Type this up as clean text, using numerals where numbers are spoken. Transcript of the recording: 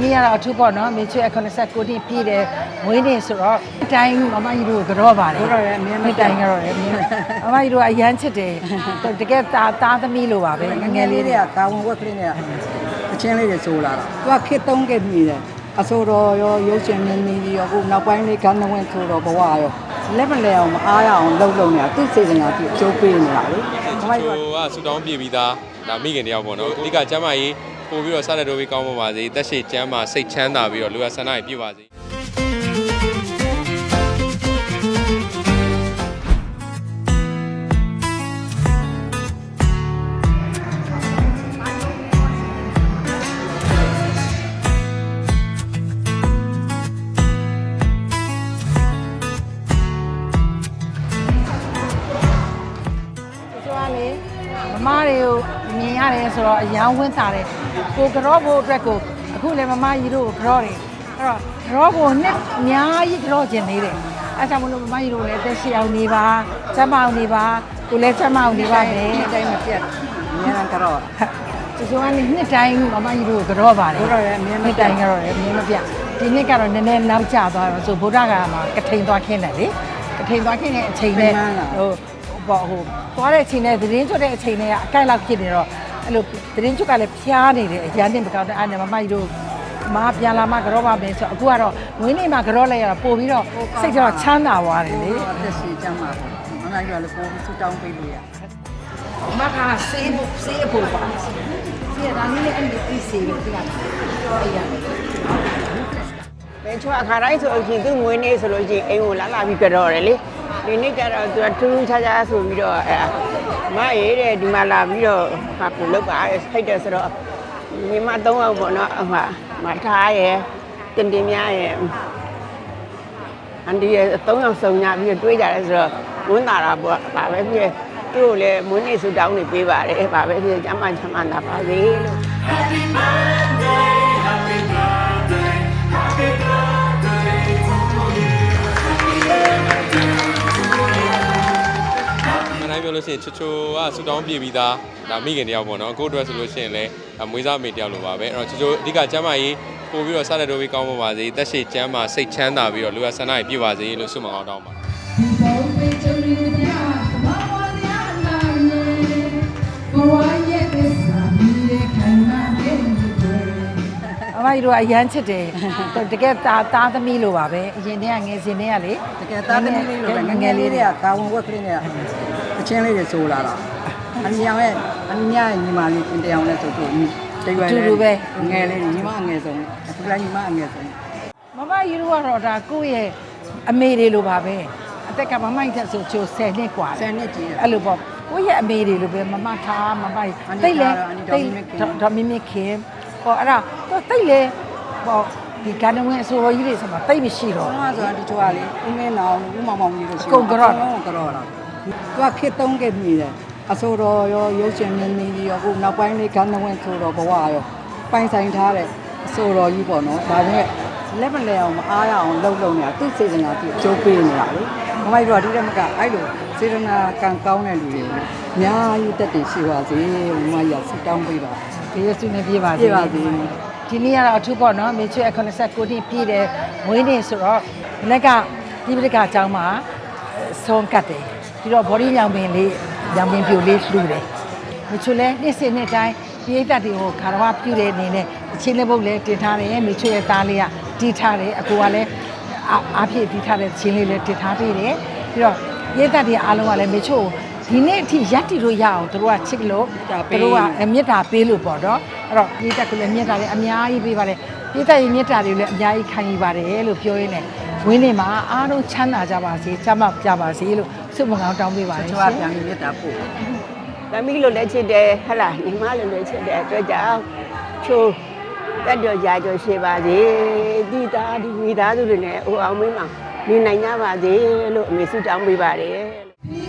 နေ့ကတော့အထူးပေါ့နော်မေချွေ89နှစ်ပြည့်တယ်မွေးနေ့ဆိုတော့အတိုင်းမမကြီးတို့ကြောပါတယ်ကြောရဲအမြဲမတိုင်းကြောရဲအမြဲမမကြီးတို့အရန်ချစ်တယ်တကယ်သားသမီးလိုပါပဲငယ်လေးတွေကတာဝန်ဝက်ကလေးတွေအချင်းလေးတွေဆိုလာတာသူကခေတ်သုံးခဲ့ပြီတယ်အဆိုတော်ရောရုပ်ရှင်မြင်းကြီးရောအခုနောက်ပိုင်းလေးကန်းဝင်ဆိုတော့ဘဝရောလက်မလဲအောင်မအားရအောင်လှုပ်နေတာသူ့စေတနာသူအကျိုးပေးနေတာလေမမကြီးတို့ကဆူတောင်းပြေပြီးသားဒါမိခင်တယောက်ပေါ့နော်အဓိကကျမ်းမာရေးပို့ပြီးတော့စတဲ့တိုးပြီးကောင်းပါစေတက်ရှိကျမ်းမာစိတ်ချမ်းသာပြီးတော့လူရဆန္ဒကြီးပြည့်ပါစေမမတွေကိုမြင်ရတယ်ဆိုတော့အယောင်ဝင်းစားတယ်ကိုကြောဖို့အတွက်ကိုအခုလည်းမမကြီးတို့ကိုကြောတယ်အဲ့တော့ကြောကိုနှစ်အများကြီးကြောကျင်နေတယ်အဲ့ဒါကြောင့်မလို့မမကြီးတို့လည်းတက်ရှိအောင်နေပါစမ်းမအောင်နေပါကိုလည်းစမ်းမအောင်နေပါမယ်အတိုင်းမပြတ်အများကြီးကြောသူကလည်းနှစ်တိုင်းမမကြီးတို့ကိုကြောပါတယ်ကြောရဲအများနှစ်တိုင်းကြောရဲအများမပြတ်ဒီနှစ်ကတော့နည်းနည်းနောက်ကျသွားတော့ဆိုဗုဒ္ဓဂါမှာကထိန်သွားခင်းတယ်လေကထိန်သွားခင်းတဲ့အချိန်နဲ့ပေါ့ဟိုသွားတဲ့အချိန်နဲ့သတင်းချွတ်တဲ့အချိန်နဲ့အကိုက်လောက်ဖြစ်နေတော့အဲ့လိုသတင်းချွတ်ကလည်းဖျားနေတယ်အရန်တင်မကောင်းတဲ့အဲ့နဲ့မမကြီးတို့မပြန်လာမှကြောပါမယ်ဆိုအခုကတော့ဝင်းနေမှာကြောလိုက်ရတာပို့ပြီးတော့စိတ်ကတော့ချမ်းသာသွားတယ်လေအသက်ရှင်ကျမ်းပါပေါ့မမကြီးကလည်းပို့ပြီးဆူတောင်းပေးလို့ရမကဆေးဖို့ပါဆေးဒါနည်းလည်းအဲ့ဒီဆေးပဲဒီကအဲ့ရဘယ်ချွတ်အခါတိုင်းဆိုအရင်သူ့ငွေနေဆိုလို့ရှိရင်အိမ်ကိုလာပြီးကြောတယ်လေဒီနေ့ကျတော့သူကထူးထူးခြားခြားဆိုပြီးတော့မရေးတဲ့ဒီမှာလာပြီးတော့ဟာကိုလောက်ပါဖိတ်တယ်ဆိုတော့ညီမ3ယောက်ပေါ့နော်ဟာမထားရယ်တင်တင်များရယ်အန်ဒီရ3ယောက်စုံညာပြီးတွေးကြတယ်ဆိုတော့ဝန်းတာတာပေါ့ဒါပဲဖြစ်သူ့ကိုလည်းမွေးနေ့ဆူတောင်းနေပေးပါတယ်ဒါပဲဖြစ်ကျမ်းမာချမ်းသာပါစေလို့ Happy birthday Happy birthday Happy birthday to youနိုင်ပြောလို့ရှိရင်ချိုကဆူတောင်းပြေပြီးသားဒါမိခင်တယောက်ပေါ့နော်အခုအတွက်ဆိုလို့ရှိရင်လည်းမွေးစားမေတယောက်လိုပါပဲအဲ့တော့ချိုအဓိကကျမ်းမာရေးပို့ပြီးတော့စတဲ့တိုးပြီးကောင်းပါစေတက်ရှိကျမ်းမာစိတ်ချမ်းသာပြီးတော့လူရဆန္ဒကြီးပြည့်ပါစေလို့ဆုမအောင်တောင်းပါအမကြီးတို့အရန်ချစ်တယ်တကယ်သားသမီးလိုပါပဲအရင်တည်းကငယ်စဉ်တည်းကလေတကယ်သားသမီးလေးလိုပဲငယ်လေးတွေကတာဝန်ဝက်ကလေးတွေအချင်းလေးတွေဆိုလာတာအမြင်ရဲ့ညီမလေးတင်တောင်နဲ့ဆိုတော့တိတ်ရွယ်လေးပဲငယ်လေးညီမငယ်ဆုံးအခုလည်းညီမအငယ်ဆုံးမမကြီးတို့ကတော့ဒါကိုယ့်ရဲ့အမေတွေလိုပါပဲအသက်ကမမကြီးဆိုချို10နှစ်กว่า10နှစ်ကြီးအဲ့လိုပေါ့ကိုယ့်ရဲ့အမေတွေလိုပဲမမထားမမကြီးတိတ်လေဒေါ်မင်းခင်ဟောအဲ့ဒါတိတ်လေဟောဒီကဏ္ဍဝင်အစိုးရကြီးတွေဆိုမှတိတ်မရှိတော့ဘာဆိုတာဒီချိုကလေဦးမင်းနောင်ဦးမောင်မောင်ကြီးတို့ရှိကုန်ကြောတာသူကခေတ်သုံးခဲ့ပြီတယ်အဆိုတော်ရောရုပ်ရှင်မြင်းကြီးရောအခုနောက်ပိုင်းလေးကန်းဝင်ဆိုတော့ဘဝရောပိုင်ဆိုင်ထားတဲ့အဆိုတော်ကြီးပေါ့နော်ဒါပေမဲ့လက်မလဲအောင်မအားရအောင်လှုပ်နေတာသူ့စေတနာသူအကျိုးပေးနေတာလေမမကြီးတို့ကဒီတမကအဲ့လိုစေတနာကံကောင်းတဲ့လူတွေအများကြီးတက်တည်ရှိပါစေမမကြီးကဆုတောင်းပေးပါဒီရစုနဲ့ပြေးပါစေဒီနေ့ကတော့အထူးပေါ့နော်မေချွေ89နှစ်ပြည့်တယ်မွေးနေ့ဆိုတော့မနေ့ကဒီပရိကအကြောင်းမှာဆုံးကတ်တယ်ပြီးတော့ body ရောင်ပင်လေးရောင်ပင်ပြိုလေးလှူတယ်မေချွေလည်းနေ့စဉ်နေ့တိုင်းပြေးတတ်တွေကိုခါတော်ပြုတဲ့အနေနဲ့အချင်းလေးပုတ်လည်းတင်ထားတယ်မေချွေရဲ့သားလေးကတီးထားတယ်အကူကလည်းအားဖြည့်တီးထားတဲ့ချင်းလေးလည်းတင်ထားပေးတယ်ပြီးတော့ပြေးတတ်တွေအားလုံးကလည်းမေချွေဒီနေ့အထိရက်တီလို့ရအောင်တို့ကချစ်လို့တို့ကမေတ္တာပေးလို့ပေါ့နော်အဲ့တော့ပြေးတတ်ကလည်းမေတ္တာလေးအများကြီးပေးပါတယ်ပြေးတတ်ရဲ့မေတ္တာတွေလည်းအများကြီးခံယူပါတယ်လို့ပြောရင်းနဲ့ဝင်းနေမှာအားလုံးချမ်းသာကြပါစေချမ်းသာကြပါစေလို့ဆုမကောင်းတောင်းပေးပါတယ်ကျွန်တော်ပြန်ပြီးမေတ္တာပို့သမီးလိုလည်းချစ်တယ်ဟဟလားညီမလိုလည်းချစ်တယ်အတွက်ကြောင့်ချိုးတက်တော်ကြာကျော်ရှိပါစေဒီသားဒီမိသားစုတွေနဲ့အိုအောင်မင်းမောင်နေနိုင်ကြပါစေလို့အမေဆုတောင်းပေးပါတယ်